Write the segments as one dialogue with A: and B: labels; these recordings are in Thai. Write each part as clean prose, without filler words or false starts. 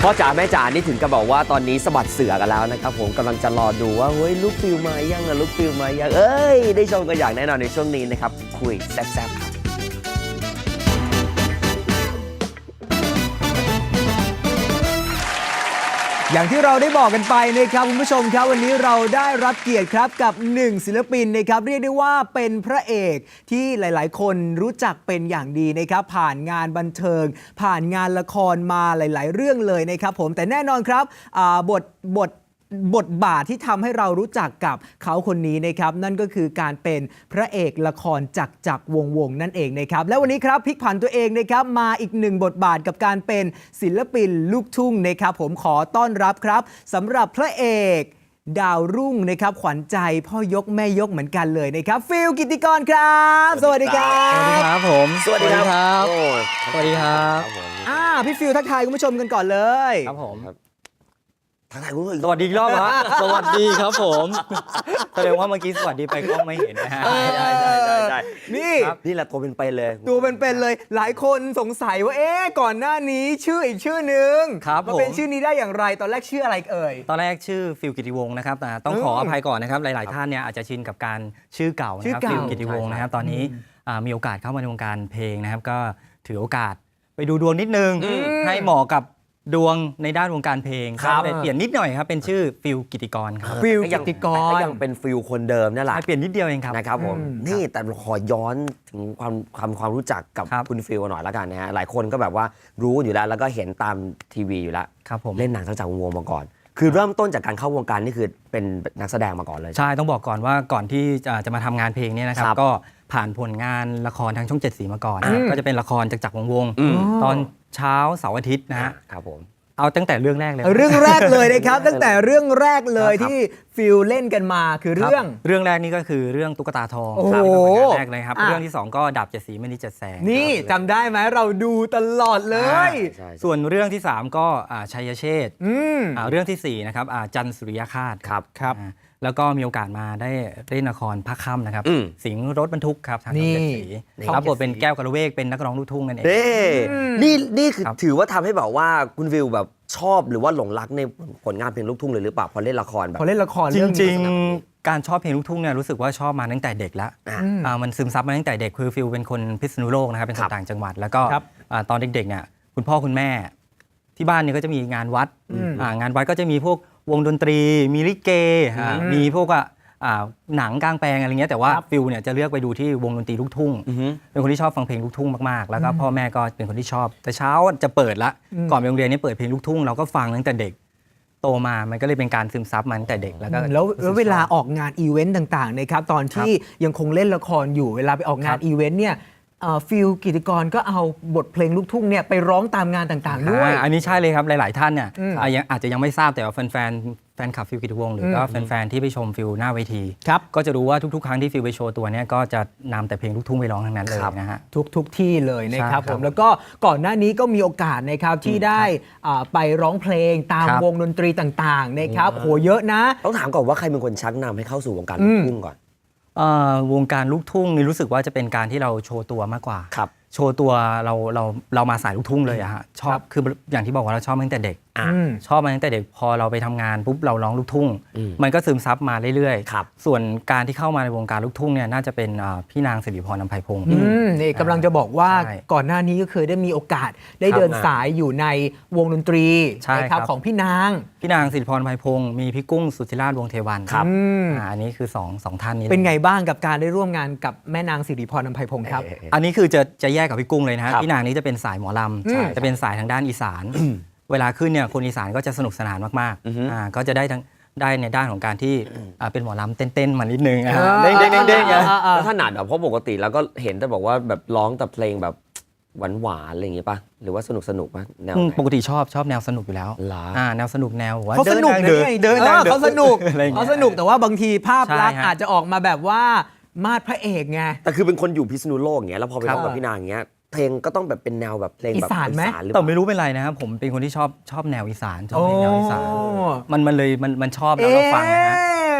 A: พ่อจ๋าแม่จ๋านี่ถึงกับบอกว่าตอนนี้สะบัดเสือกันแล้วนะครับผมกำลังจะรอดูว่าเฮ้ยลูกฟิลมายังลูกฟิลมายังได้ชมกันอย่างแน่นอนในช่วงนี้นะครับคุยแซ่บๆครับ
B: อย่างที่เราได้บอกกันไปนะครับคุณผู้ชมครับวันนี้เราได้รับเกียรติครับกับ1ศิลปินนะครับเรียกได้ว่าเป็นพระเอกที่หลายๆ คนรู้จักเป็นอย่างดีนะครับผ่านงานบันเทิงผ่านงานละครมาหลาย ๆ เรื่องเลยนะครับผมแต่แน่นอนครับบทบาทที่ทำให้เรารู้จักกับเขาคนนี้นะครับนั่นก็คือการเป็นพระเอกละครจักรวงนั่นเองนะครับและวันนี้ครับพลิกผันตัวเองนะครับมาอีกหนึ่งบทบาทกับการเป็นศิลปินลูกทุ่งนะครับผมขอต้อนรับครับสำหรับพระเอกดาวรุ่งนะครับขวัญใจพ่อยกแม่ยกเหมือนกันเลยนะครับฟิลกิตติกรครับสวัสดีครับ
C: สวัสดีครับผม
A: สวัสดีครับ
C: สวัสดีครับ
B: พี่ฟิลทักทายคุณผู้ชมกันก่อนเลย
C: ครับผม
A: ทักทายคุณผู้ชม
C: สวัสดีอีกรอบฮะสวัสดีครับผมแสดงว่าเมื่อกี้สวัสดีไปกล้องไม่เห็นนะฮะ
A: ได้นี่
C: ครับ
A: นี่แหละตัวเป็นๆเลย
B: ตัวเป็นๆเลยหลายคนสงสัยว่าก่อนหน้านี้ชื่ออีกชื่อหนึ่ง
C: ครับ
B: มา
C: ผม
B: เป็นชื่อนี้ได้อย่างไรตอนแรกชื่ออะไรเอ่ย
C: ตอนแรกชื่อฟิลกิติวงศ์นะครับแต่ต้องขออภัยก่อนนะครับหลาย ๆ ท่านเนี่ยอาจจะชินกับการชื่อเก่านะ
B: ชื่
C: ค
B: อ
C: รับ
B: เก่า
C: ฟิลกิติวงศ์นะครับตอนนี้มีโอกาสเข้ามาในวงการเพลงนะครับก็ถือโอกาสไปดูดวงนิดนึงให้เหมาะกับดวงในด้านวงการเพลง
A: ครับ
C: เลยเปลี่ยนนิดหน่อยครับเป็นชื่อฟิลกิติกรครับ
B: ฟิล
A: ก็
B: กิ
A: ยัง
B: ตติกร
A: ก็ยังเป็นฟิลคนเดิมนั่นแหละ
C: เปลี่ยนนิดเดียวเองครับ
A: นะครับผมนี่แต่ขอย้อนถึงความรู้จักกับ
C: ครับ
A: คุณฟิลหน่อยละกันนะฮะหลายคนก็แบบว่ารู้อยู่แล้วก็เห็นตามทีวีอยู่แล้ว
C: ครับผม
A: เล่นหนังจากวงมาก่อน คือเริ่มต้นจากการเข้าวงการนี่คือเป็นนักแสดงมาก่อนเลย
C: ใช่ต้องบอกก่อนว่าก่อนที่จะมาทำงานเพลงเนี่ยนะครับ
A: ครับ
C: ก็ผ่านผลงานละครทางช่องเจ็ดสีมาก่อนก็จะเป็นละครจากวง
A: อืม
C: ตอนเช้าเสาร์อาทิตย์นะฮะ
A: ครับผม
C: เอาตั้งแต่เรื่องแรกเลย
B: เรื่องแรกเลยนะครับ ตั้งแต่เรื่องแรกเลย
A: ครับ
B: ที่ฟิลเล่นกันมาคือ
C: คบ
B: เรื่อง
C: เรื่องแรกนี่ก็คือเรื่องตุ๊กตาทอง
B: โอ้โห
C: ครับเป็นผลงานแรกเลยครับ
B: อ่ะ
C: เรื่องที่สองก็ดาบเจ็ดสีมณีเจ็ดแสง
B: นี่จำได้ไหมเราดูตลอดเลย
A: ใช่
C: ส่วนเรื่องที่สามก็ชัยเชษฐ์
B: อืม
C: เรื่องที่สี่นะครับจันทร์สุริยคาต
A: ครับ
C: อ่าแล้วก็มีโอกาสมาได้เล่นละครภาคค่ำนะครับ
A: อืม
C: สิงห์รถบรรทุกครับทางช่อง
B: นี่
C: เจ็ดสี
A: นี่
C: รับบทเป็นแก้วกระเวกเป็นนักร้องลูกทุ่งนั่นเอง
A: นี่คือ
C: ครับ
A: ถือว่าทำให้แบบว่าคุณฟิลแบบชอบหรือว่าหลงรักในผลงานเพลงลูกทุ่งเลยหรือเปล่าพอเล่นละครแบบ
B: พอเล่นละคร
C: จ
B: เรื่อง
C: ริ
B: นี้
C: งๆ การชอบเพลงลูกทุ่งเนี่ยรู้สึกว่าชอบมาตั้งแต่เด็กแล้ว มันซึมซับมาตั้งแต่เด็กคือฟิลเป็นคนพิษณุโลกนะครับเป็นค
A: ครั
C: น
A: บ
C: ต่างจังหวัด แล้วก็
B: ครับ
C: ตอนเด็กๆเนี่ยคุณพ่อคุณแม่ที่บ้านเนี่ยก็จะมีงานวัดงานวัดก็จะมีพวกวงดนตรี มีลิเกมีพวกหนังกลางแปลงอะไรเงี้ยแต่ว่าฟิลเนี่ยจะเลือกไปดูที่วงดนตรีลูกทุ่ง เป็นคนที่ชอบฟังเพลงลูกทุ่งมากๆ แล้วก็พ่อแม่ก็เป็นคนที่ชอบ แต่เช้าจะเปิดละก่อนไปโรงเรียนนี่เปิดเพลงลูกทุ่งเราก็ฟังตั้งแต่เด็กโตมามันก็เลยเป็นการซึมซับมาตั้งแต่เด็กแล้วก็
B: แล้วเวลาออกงานอีเวนต์ต่างๆนะครับตอนที่ยังคงเล่นละครอยู่เวลาไปออกงานอีเวนต์เนี่ยฟิลกิตติกรก็เอาบทเพลงลูกทุ่งเนี่ยไปร้องตามงานต่างๆด้วย
C: อันนี้ใช่เลยครับหลาย ๆ ท่านเนี่ย
B: อืม
C: อาจจะยังไม่ทราบแต่ว่าแฟนคลับฟิลกิตติวงศ์หรือก็แฟน ๆ ที่ไปชมฟิลหน้าเวที
B: ครับ
C: ก็จะรู้ว่าทุก ๆ ครั้งที่ฟิลไปโชว์ตัวเนี่ยก็จะนำแต่เพลงลูกทุ่งไปร้องทั้งนั้นเลยนะฮะ
B: ทุกที่เลยนะครับ
C: ใช่
B: ผ
C: ครับ
B: มแล้วก็ก่อนหน้านี้ก็มีโอกาสนะครับที่ได้ไปร้องเพลงตาม
C: ครับ
B: วงดนตรีต่างๆนะครับโหเยอะนะ
A: ต้องถามก่อนว่าใครเป็นคนชักนำให้เข้าสู่วงการลูกทุ่งก่อน
C: วงการลูกทุ่งนี่รู้สึกว่าจะเป็นการที่เราโชว์ตัวมากกว่า
A: ครับ
C: โชว์ตัวเรามาสายลูกทุ่งเลยอะฮะชอบคืออย่างที่บอกว่าเราชอบมาตั้งแต่เด็ก ชอบมาตั้งแต่เด็กพอเราไปทำงานปุ๊บเราร้องลูกทุ่ง มันก็ซึมซับมาเรื่อย
A: ครับ
C: ส่วนการที่เข้ามาในวงการลูกทุ่งเนี่ยน่าจะเป็นพี่นางสิริพรอำไพพงศ์
B: นี่กำลังจะบอกว่า
C: ใช่
B: ก่อนหน้านี้ก็เคยได้มีโอกาสได้
C: ครับ
B: เดินสายอยู่ในวงดนตรี
C: ใช่
B: นะค
C: ครั
B: รับบ ของพี่นาง
C: พี่นางสิริพรอำไพพงศ์มีพี่กุ้งสุธิราชวงศ์เทวัน
A: ครับ
C: อันนี้คือสองท่านนี้
B: เป็นไงบ้างกับการได้ร่วมงานกับแม่นางสิริพรอำไพพงศ์ครับ
C: อันนี้คือจะแยกกับพี่กุ้งเลยนะฮะ
A: ครับ
C: พี่นางนี้จะเป็นสายหมอล
B: ใช่
C: ำจะเป็นสายทางด้านอีสาน เวลาขึ้นเนี่ยคนอีสานก็จะสนุกสนานมากๆก็จะได้ในด้านของการที่เป็นหมอลำเต้นๆมานิดนึงเด้งๆเด้งๆนะ
A: แล้วถนัดแบบเพราะปกติแล้วก็เห็นแต่บอกว่าแบบร้องแต่เพลงแบบหวานๆอะไรอย่างงี้ป่ะหรือว่าสนุกป่ะแนวไหน
C: ปกติชอบแนวสนุกอยู่แล้ว
A: เหรอ
C: แนวสนุกแนวว่า
B: เขาสนุก
C: เดิ
B: นะ
C: เดินทางเดิน
B: เขาสนุก
C: อะไรอย่างเงี้ย
B: เขาสนุกแต่ว่าบางทีภาพลักษณ์
C: ใช่ฮะ
B: อาจจะออกมาแบบว่ามาดพระเอกไง
A: แต่คือเป็นคนอยู่พิษณุโลกอย่างเงี้ยแล้วพอไป
C: ครั
A: ร้อบ งกับพี่นางอย่างเงี้ยเพลงก็ต้องแบบเป็นแนวแบบเพลงแบบ
B: อีสานไหม
A: หรือเป
C: แต่
A: ล่า
C: ไม่รู้เป็นไรนะครับผมเป็นคนที่ชอบแนวอีสานชอบเพลงแนวอีสาน
B: โอ้
C: มันเลยมันชอบแล้วเราฟังนะฮะ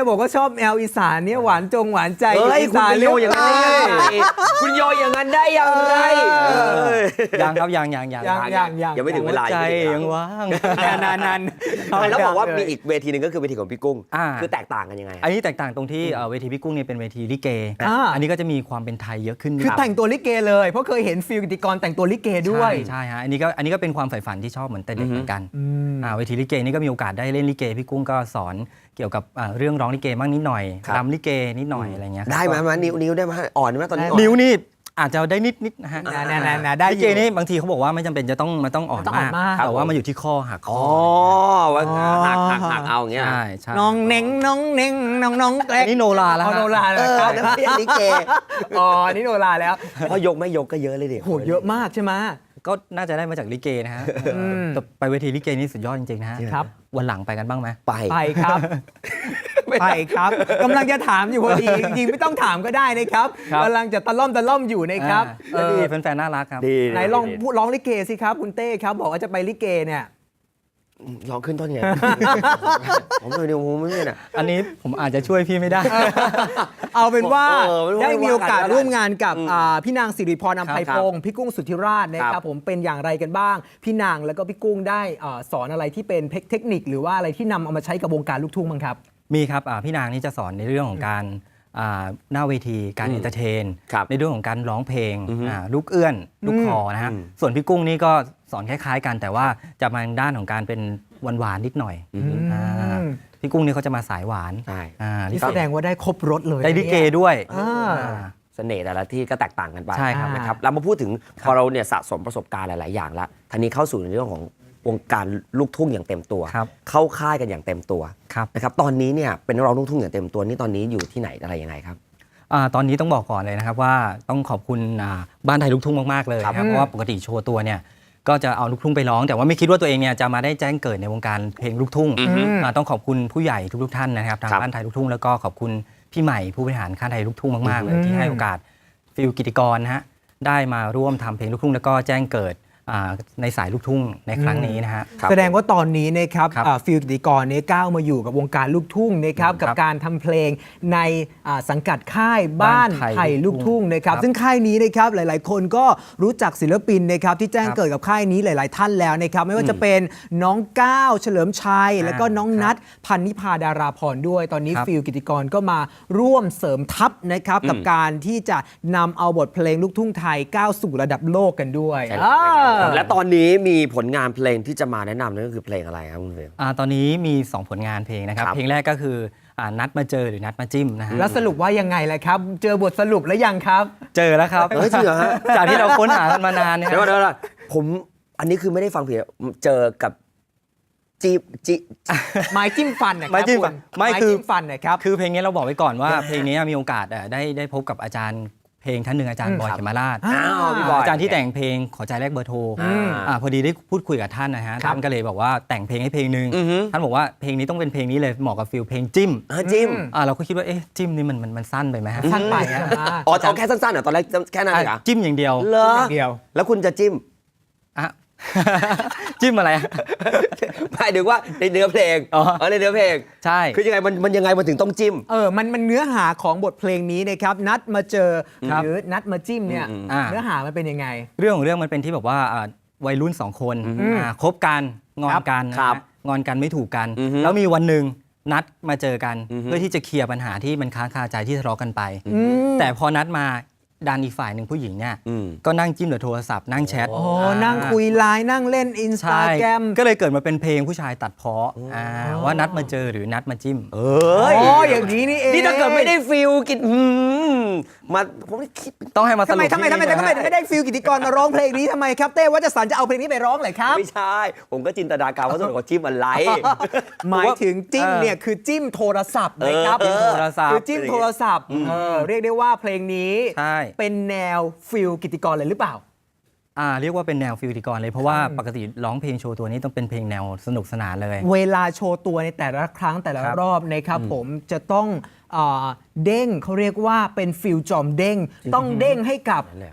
B: บอกว่าชอบแอลอีสานเนี่ยหวานหวานใจ
A: เฮ้ย
B: อี
A: คุณ
B: สาน
A: ไปโยอย่างนั้นได้ยังไงคุณโยอย่างนั้นได้ยังไง
C: ยังครับยัง
A: ยังไม่ถึงเวลา
C: ใจ
A: ยังไม่ถึงเวลา
C: ยังว่าง
B: นาน
A: แล้วบอกว่ามีอีกเวทีหนึ่งก็คือเวทีของพี่กุ้ง
C: อ่า
A: คือแตกต่างกันยังไง
C: อันนี้แตกต่างตรงที่เวทีพี่กุ้งเนี่ยเป็นเวทีลิเก อันนี้ก็จะมีความเป็นไทยเยอะขึ้น
B: คือแต่งตัวลิเกเลยเพราะเคยเห็นฟิลกิติกรแต่งตัวลิเกด้วย
C: ใช่ฮะอันนี้ก็เป็นความใฝ่ฝันที่ชอบเหมือนแต่เด็กเหมือนกันเวทีลิเกนี่ก็มีโอกาสได้เล่นลิเกพี่กุ้งก็สอนเกี่ยวกับเรื่องร้องลิเกบ้างนิดหน่อย
A: ครับ
C: รำลิเกนิดหน่อยอะไรเงี้ย
A: ได้ไหมนิ้วได้ไหมอ่อนไหมตอนนี้อ่อน
C: นิ้วนี่อาจจะได้นิดนะฮะ
B: ได้
C: ลิเกนี่บางทีเขาบอกว่าไม่จำเป็นจะต้องอ่อน
B: ต้องอ่อน
C: มาก
B: มาก
C: แต่ว่ามันอยู่ที่ข้อหักค
A: อ๋
C: อ
A: อว่าหักเอาอย่างเงี้ย
C: ใช่
B: น้องเน่งน้องแกล้
C: อันนี้โนราแล้ว
B: โนราแล้ว
A: แล้วพี่ลิเก
B: อ๋อนี่โนราแล้ว
A: เพราะยกไม่ยกก็เยอะเลยดิ
B: โหเยอะมากใช่ไหม
C: ก็น่าจะได้มาจากลิเกนะฮะแต่ไปเวทีลิเกนี่สุดยอดจริงๆนะฮะ
B: ครับ
C: วันหลังไปกันบ้างไหม
B: ไปครับ ไปครับกำลังจะถามอยู่พอดีจริงๆไม่ต้องถามก็ได้นะครับ
C: ครับ
B: กำลังจะตะล่อมอยู่นะครับ
C: ก็ดีแฟนๆน่ารักครับ
A: ดี
B: ไหนลองพูดร้องลิเกสิครับคุณเต้ครับบอกว่าจะไปลิเกเนี่ย
A: ลองขึ้นต้นไงผมเลยเดี๋ยวผมไม่เนี่ย
C: อันนี้ผมอาจจะช่วยพี่ไม่ได้
B: เอาเป็นว่า
A: ไม่ว่า
B: ได้มีโอกาส
A: กัน
B: ร่วมงานกับพี่นางสิริพรอำไพพงศ์พี่กุ้งสุทธิราชนะค
A: ครั
B: รับบ ผมเป็นอย่างไรกันบ้าง พี่นางแล้วก็พี่กุ้งได้สอนอะไรที่เป็นเทคนิคหรือว่าอะไรที่นำเอามาใช้กับวงการลูกทุ่งบ้างครับ
C: มีครับพี่นางนี่จะสอนในเรื่องของการหน้าเวทีการเอนเตอร์เทน
A: ครับ
C: ในเรื่องของการร้องเพลงลูกเอื้อนลูกคอนะฮะส่วนพี่กุ้งนี่ก็สอนคล้ายๆกันแต่ว่าจะมาทางด้านของการเป็นหวานๆนิดหน่อยพี่กุ้งนี่เขาจะมาสายหวาน
A: ใช่
B: นี่แสดงว่าได้ครบรถเลย
C: ได้ลิเกด้วย
A: เสน่ห์แต่ละที่ก็แตกต่างกันไป
C: ใช่ครับ
A: นะครับเรามาพูดถึงพอเราเนี่ยสะสมประสบการณ์หลาย ๆ อย่างแล้วทีนี้เข้าสู่ในเรื่องของวงการลูกทุ่งอย่างเต็มตัว
C: ครับ
A: เข้าค่ายกันอย่างเต็มตัว
C: ครับ
A: นะครับตอนนี้เนี่ยเป็นนักร้องลูกทุ่งอย่างเต็มตัวนี่ตอนนี้อยู่ที่ไหนอะไรยังไงครับ
C: ตอนนี้ต้องบอกก่อนเลยนะครับว่าต้องขอบคุณบ้านไทยลูกทุ่งมากๆเลยนะครับเพราะว่าปกติโชว์ตัวเนี่ยก็จะเอาลูกทุ่งไปร้อง แต่ว่าไม่คิดว่าตัวเองเนี่ยจะมาได้แจ้งเกิดในวงการเพลงลูกทุ่งต้องขอบคุณผู้ใหญ่ทุกๆท่านนะครับทาง
A: ครับ
C: บ้านไทยลูกทุ่งแล้วก็ขอบคุณพี่ใหม่ผู้บริหารค่ายไทยลูกทุ่งมากๆเลยที่ให้โอกาสฟิลกิติกรนะฮะได้มาร่วมทำเพลงลูกทุ่งแล้วก็แจ้งเกิดในสายลูกทุ่งในครั้งนี้นะฮะ
A: ครับ
B: แสดงว่าตอนนี้นะครับ
C: ครับ
B: ฟิลกิติกรเนี่ยก้าวมาอยู่กับวงการลูกทุ่งนะครับ
C: ครั
B: กับบ การทำเพลงในสังกัดค่ายบ้าน
C: บ้าน
B: ไท
C: ไท
B: ย
C: ย
B: ลูกทุ่งนะครับ
C: ครับ
B: ซึ่งค่ายนี้นะครับหลายๆ คนก็รู้จักศิลปินนะครับที่แจ้ง
C: ครับ
B: เกิดกับค่ายนี้หลาย ๆ ท่านแล้วนะครับไม่ว่าจะเป็นน้องก้าวเฉลิมชัย แล้วก็น้อง
C: ครับ
B: นัทพันนิพาดาราพรด้วยตอนนี้
C: ครับ
B: ฟิลกิติกรก็มาร่วมเสริมทัพนะครับกับการที่จะนำเอาบทเพลงลูกทุ่งไทยก้าวสู่ระดับโลกกันด้วย
A: และตอนนี้มีผลงานเพลงที่จะมาแนะนำนั่นก็คือเพลงอะไรครับคุณเฟรม
C: ตอนนี้มี 2 ผลงานเพลงนะครับ
A: ครับ
C: เพลงแรกก็คือนัดมาเจอหรือนัดมาจิ้มนะฮะ
B: แล้วสรุปว่ายังไงล่ะครับ เจอบทสรุปแล้วยังครับ
C: เจอแล้วครับ
A: เฮ้ยจริงเหรอฮะ
C: จากที่เราค้นหากันมานานเนี่ย
A: เดี๋ยวก่อนผมอันนี้คือไม่ได้ฟังผิดเจอกับจี
B: ไม้จิ้มฟันนะครับ
C: ไม้จิ้มฟัน
B: คุณ
C: ไม่
B: ไม้
C: คือ
B: จิ้มฟันนะครับ
C: คือเพลงนี้เราบอกไว้ก่อนว่าเพลงนี้มีโอกาสได้พบกับอาจารย์เพลงท่านหนึ่งอาจารย์บอย
A: ครับ
C: เขมราช
A: อ้าวพี่บอย
C: อาจารย์ที่แต่งเพลงขอใจแลกเบอร์โทร พอดีได้พูดคุยกับท่านนะฮะ
B: ครับ
C: ท่านก็เลยบอกว่าแต่งเพลงให้เพลงหนึ่ง
A: อือฮึ
C: ท่านบอกว่าเพลงนี้ต้องเป็นเพลงนี้เลยเหมาะกับฟิลเพลงจิ้ม
A: จิ้ม
C: เราก็คิดว่าเอ๊ะจิ้มนี่มันสั้นไปไหมฮะ
B: สั้นไปนะ
A: อ๋อเอาแค่สั้นๆเหรอตอนแรกแค่นั้นเหรอ
C: จิ้มอย่างเดียว
A: เหรอ
B: เดียว
A: แล้วคุณจะจิ้ม
C: อ่ะ จิ้มอะไรอะ
A: หมายถึงว่าในเนื้อเพลง
C: อ๋อ
A: ในเนื้อเพลง
C: ใช่
A: คือยังไงมันยังไงมันถึงต้องจิ้ม
B: มันเนื้อหาของบทเพลงนี้นะครับนัดมาเจอ
C: ครับ
B: หรือนัดมาจิ้มเนี่ย
C: อ่า
B: เนื้อหามันเป็นยังไง
C: เรื่องของเรื่องมันเป็นที่แบบว่าวัยรุ่นสองคนคบกันงอนกันนะ
A: ครั
C: ฮะ
A: บ
C: งอนกันไม่ถูกกัน
A: อือฮึ
C: แล้วมีวันหนึ่งนัดมาเจอกัน
A: อือฮึ
C: เพื่อที่จะเคลียร์ปัญหาที่มันค้างคาใจที่ทะเลาะกันไป แต่พอนัดมาดันอีกฝ่ายหนึ่งผู้หญิงเนี่ย
A: อืม
C: ก็นั่งจิ้มหรือโทรศัพท์นั่งแชท
B: โอ้นั่งคุยไลน์นั่งเล่นอินสตา
C: ใช่
B: แกรม
C: ก็เลยเกิดมาเป็นเพลงผู้ชายตัดเพาะว่านัดมาเจอหรือนัดมาจิ้ม
A: เอ้ย
B: อย่างนี้นี่เอง
A: นี่ถ้าเกิดไม่ได้ฟิลกินมาผมคิด
C: ต้องให้มาส
B: ทำไม
C: รุป
B: ทำไม
C: ที่
B: ทำไม
C: นี่นะฮะ
B: ไม่ได้ฟิลกิติกรมาร้องเพลงนี้ทำไมครับเต้วัชสันจะเอาเพลงนี้ไปร้องเลยครับ
A: ไม่ใช่ ผมก็จินตนาการว่าส่วนของจิ้มอะไร
B: หมายถึงจิ้มเนี่ยคือจิ้มโทรศัพท์นะครับ
C: จิ้มโทรศัพท์
B: คือจิ้มโทรศัพท์เรียกได้ว่าเพลงนี้
C: ใช่
B: เป็นแนวฟิลกิติกรเลยหรือเปล่า
C: เรียกว่าเป็นแนวฟิลกิติกรเลยเพราะว่าปกติร้องเพลงโชว์ตัวนี้ต้องเป็นเพลงแนวสนุกสนานเลย
B: เวลาโชว์ตัวในแต่ละครั้งแต่ละ
C: ครับ
B: รอบนะครับผมจะต้องเด้งเขาเรียกว่าเป็นฟิลจอมเด้งต้องเด้งให้กับ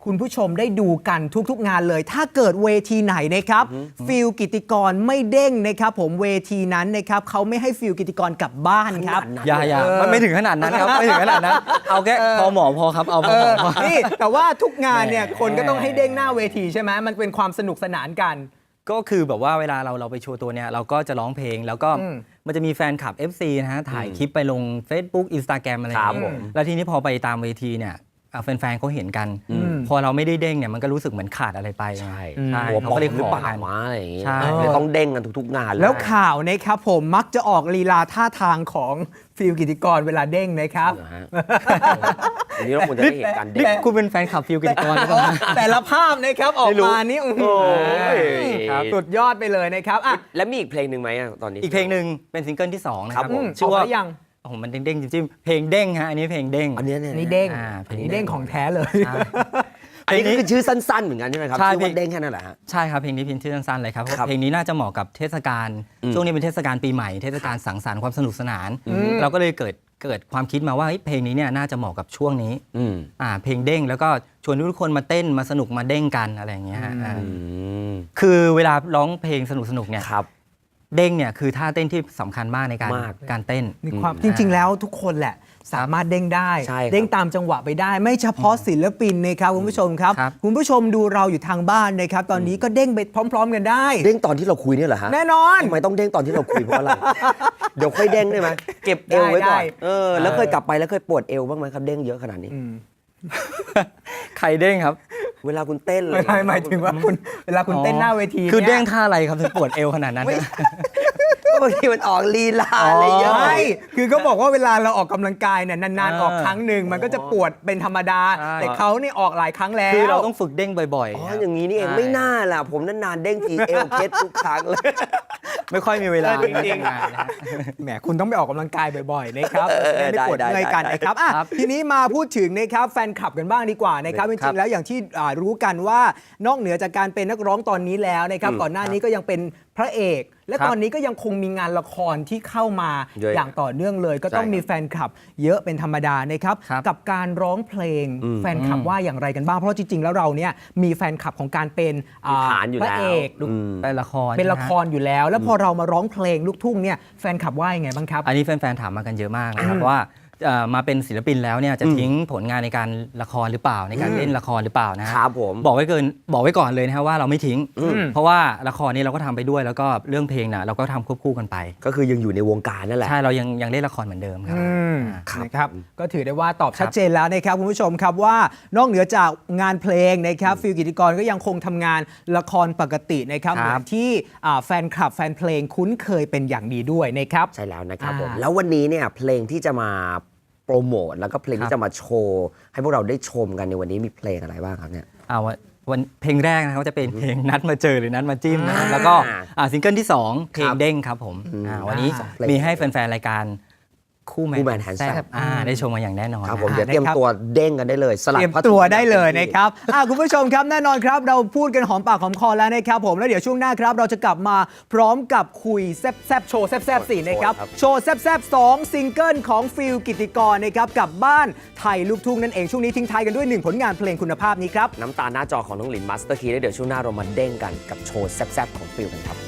B: คุณผู้ชมได้ดูกันทุกๆงานเลย ถ้าเกิดเวทีไหนนะครับฟิลกิตติกรไม่เด้งนะครับผมเวทีนั้นนะครับเขาไม่ให้ฟิลกิตติกรกลับบ้านครับ
C: อย่ามันไม่ถึงขนาดนั้นครับ ไม่ถึงขนาดนั้น เอาแค่พอหมอพอครับเอาพอหมอพอ
B: นี่แต่ว่าทุกงานเนี่ย
C: แหม
B: คนก็ต้องให้เด้งหน้าเวทีใช่ไหมมันเป็นความสนุกสนานกัน
C: ก็คือแบบว่าเวลาเราไปโชว์ตัวเนี่ยเราก็จะร้องเพลงแล้วก็
B: อืม
C: มันจะมีแฟนคลับ FC นะฮะถ่ายคลิปไปลง Facebook Instagram อะไรอย่าง
A: ครับผ
C: เงี้
A: ม
C: ยแล้วทีนี้พอไปตามเวทีเนี่ยแฟนๆเขาเห็นกัน พอเราไม่ได้เด้งเนี่ยมันก็รู้สึกเหมือนขาดอะไรไป
A: ใช่
C: ใช่
A: หัว
C: เขา
A: ปอ
C: ก็
A: ก
C: เลย
A: หรือ
C: ขอ
A: เปล่า
C: กัน
A: วะอะไรอย่างงี้
C: ใช่
A: เลยต้องเด้งกันทุกๆงานเลย
B: แล้วข่าวนะครับผมมักจะออกลีลาท่าทางของฟิลกิตติกรเวลาเด้งนะครับ
A: เหรอฮะอันนี้เราควรจะได้เห็นการเด้
C: นี่
A: ง
C: คุณเป็นแฟนคลับฟิลกิตติกรหรือเปล่า
B: แต่ละภาพนะครับออกมานี่อื้อหือ
A: โอ้ย
B: ครับสุดยอดไปเลยนะครับอ่ะ
A: แล้วมีอีกเพลงหนึ่งไหมอะตอนนี้
C: อีกเพลงหนึ่งเป็นซิงเกิลที่2นะค
A: ครั
C: รั
A: บบ ผม
C: ชื่อว่า
B: ออกมายัง
C: โอ้โหมันเด้งๆจิ้มๆเพลงเด้งฮะอันนี้เพลงเด้ง
A: อันเนี้ยเนี่ย
B: นี่เด้ง
C: เพลง
B: นี่เด้งของแท้เลย
C: ใช่
A: อันนี้ก็คือชื่อสั้นๆเหมือนกันใช่ไหมครับ
C: ใช่
A: ชื่อว่าเด้งแค่นั้นแหละฮะ
C: ใช่ครับเพลงนี้เพียงชื่อสั้นๆเลยครับเพราะ
A: ครับ
C: เพลงนี้น่าจะเหมาะกับเทศกาล
A: อืม
C: ช่วงนี้เป็นเทศกาลปีใหม่เทศกาลสังสรรค์ความสนุกสนาน
B: ม
C: เราก็เลยเกิดความคิดมาว่าเฮ้ยเพลงนี้เนี่ยน่าจะเหมาะกับช่วงนี้
A: อืม
C: เพลงเด้งแล้วก็ชวนทุกคนมาเต้นมาสนุกมาเด้งกันอะไรอย่างเงี้ยฮะ
B: อืม
A: อืม
C: คือเวลาร้องเพลงสนุกๆเนี่ย
A: ครับ
C: เด้งเนี่ยคือท่าเต้นที่สำคัญมากในการ
A: มาก
C: การเต้น
B: มีความจริง ๆ แล้วทุกคนแหละสามารถเด้งได้
A: ใช่ครับ
B: เด้งตามจังหวะไปได้ ไม่เฉพาะศิลปินนะครับคุณผู้ชมครับ
C: ครับ
B: คุณผู้ชมดูเราอยู่ทางบ้านนะครับตอนนี้ก็เด้งไปพร้อม ๆ กันได้
A: เด้งตอนที่เราคุยเนี่ยเหรอฮะ
B: แน่นอน
A: ทำไมต้องเด้งตอนที่เราคุยเพราะอะไร เดี๋ยวค่อยเด้งได้ไหมเก็บเอวไว้ก่อน
B: ได้
A: แล้วเคยกลับไปแล้วเคยปวดเอวบ้างไหมครับเด้งเยอะขนาดนี้
C: ใครเด้งครับ
A: เวลาคุณเต้นเลย
B: ไม่หมายถึงว่าคุณเวลาคุณเต้นหน้าเวที
C: คือ
B: นี่ย
C: เด้งท่าอะไรครับถึงปวดเอวขนาดนั้น
A: บางทีมันออกลีลาอะไรเยอะ
B: ใช่คือก็บอกว่าเวลาเราออกกำลังกายเนี่ยนานๆออกครั้งหนึ่งมันก็จะปวดเป็นธรรมดา
C: ใช่
B: แต่เขานี่ออกหลายครั้งแล้ว
C: คือเราต้องฝึกเด้งบ่อย
A: อ๋อ
C: ๆครับ
A: อย่างนี้นี่เอง
C: ใช่
A: ไม่น่าล่ะผมนานๆเด้งทีเอวเคล็ดทุกครั้งเลย
C: ไม่ค่อยมีเวลา
B: จริงๆ
C: ทำงานนะฮะ
B: แหมคุณต้องไปออกกำลังกายบ่อยๆนะครับจะได้ไม่ปวด
A: ได้
B: เมื่อยกัน
A: ได้
B: นะครับอ่ะ
C: ครับ
B: ทีนี้มาพูดถึงนะครับแฟนคลับกันบ้างดีกว่านะครับจ
C: ครั
B: ริ
C: บ
B: งๆแล้วอย่างที่รู้กันว่านอกเหนือจากการเป็นนักร้องตอนนี้แล้วนะครับก่อนหน้านี้ก็ยังเป็นพระเอก และ
C: ครับ
B: ตอนนี้ก็ยังคงมีงานละครที่เข้ามา
A: เยอะ
B: อย่างต่อเนื่องเลย ก็ต้อง
A: ใช่ครับ
B: มีแฟนคลับเยอะเป็นธรรมดานะครับ
C: ครับ
B: กับการร้องเพลงแฟนคลับว่าอย่างไรกันบ้างเพราะจริงๆแล้วเราเนี่ยมีแฟนคลับของการเป็น
A: มีฐานอยู่
B: พระ
A: แล้ว
B: เอก
A: อืม
C: เป็นละคร
B: เป็นละ
C: ใช่
B: ค
C: ไหมฮ
B: รอยู่แล้ว แล้วพอเรามาร้องเพลงลูกทุ่งเนี่ยแฟนคลับว่ายังไงบ้างครับ
C: อันนี้แฟนๆถามมากันเยอะมากนะครับว่ามาเป็นศิลปินแล้วเนี่ยจะทิ้งผลงานในการละครหรือเปล่าในการเล่นละครหรือเปล่านะฮะ
A: ครับผม
C: บอกไว้ก่อนเลยนะครับว่าเราไม่ทิ้ง เพราะว่าละครนี้เราก็ทำไปด้วยแล้วก็เรื่องเพลงน่ะเราก็ทำควบคู่กันไป
A: ก็คือยังอยู่ในวงการนั่นแหละ
C: ใช่เรายังเล่นละครเหมือนเดิมครับ
A: ครับ
B: นะครับก็ถือได้ว่าตอบชัดเจนแล้วนะครับคุณผู้ชมครับว่านอกเหนือจากงานเพลงนะครับฟิลกิตติกรก็ยังคงทำงานละครปกตินะครับ
C: ครับ
B: เหมือนที่แฟนคลับแฟนเพลงคุ้นเคยเป็นอย่างดีด้วยนะครับ
A: ใช่แล้วนะครับผม
B: อ่า
A: แล้ววันนี้เนี่ยเพลงที่จะมาโปรโมทแล้วก็เพลง
C: ครับ
A: ที่จะมาโชว์ให้พวกเราได้ชมกันในวันนี้มีเพลงอะไรบ้างครับเนี่ย
C: วันเพลงแรกนะครับจะเป็นเพลงนัดมาเจอหรือนัดมาจิ้มนะครับแล้วก็ซิงเกิลที่ 2 เพลงเด้งครับผมวันนี้
A: สองเพลง
C: มีให้แฟนๆรายการคู่แม
A: คู่แมน
C: น
A: แฮนด์
C: แซ่
A: แซ่
C: บบ ได้ชมมาอย่างแน่นอน
A: ครับผม
C: นะ
A: เดี๋ยวเตรียมตัวเด้งกันได้เลยสลั
B: เต
A: ด
B: รียม
A: ผ้าถุง
B: ตัวได้เลยนะครับคุณผู้ชมครับแน่นอนครับเราพูดกันหอมปากหอมคอแล้วนะครับผมแล้วเดี๋ยวช่วงหน้าครับเราจะกลับมาพร้อมกับคุยแซบๆโชว์แซบๆ4นะครับโชว์แซบๆ2ซิงเกิลของฟิลกิตติกรนะครับกับบ้านไทยลูกทุ่งนั่นเองช่วงนี้ทิ้งท้ายกันด้วย1ผลงานเพลงคุณภาพนี้ครับ
A: น้ำตาหน้าจอของน้องหลินมาสเตอร์คีแล้วเดี๋ยวช่วงหน้าเรามาเด้งกันกับโชว์แซ่บๆของฟิลกันครับ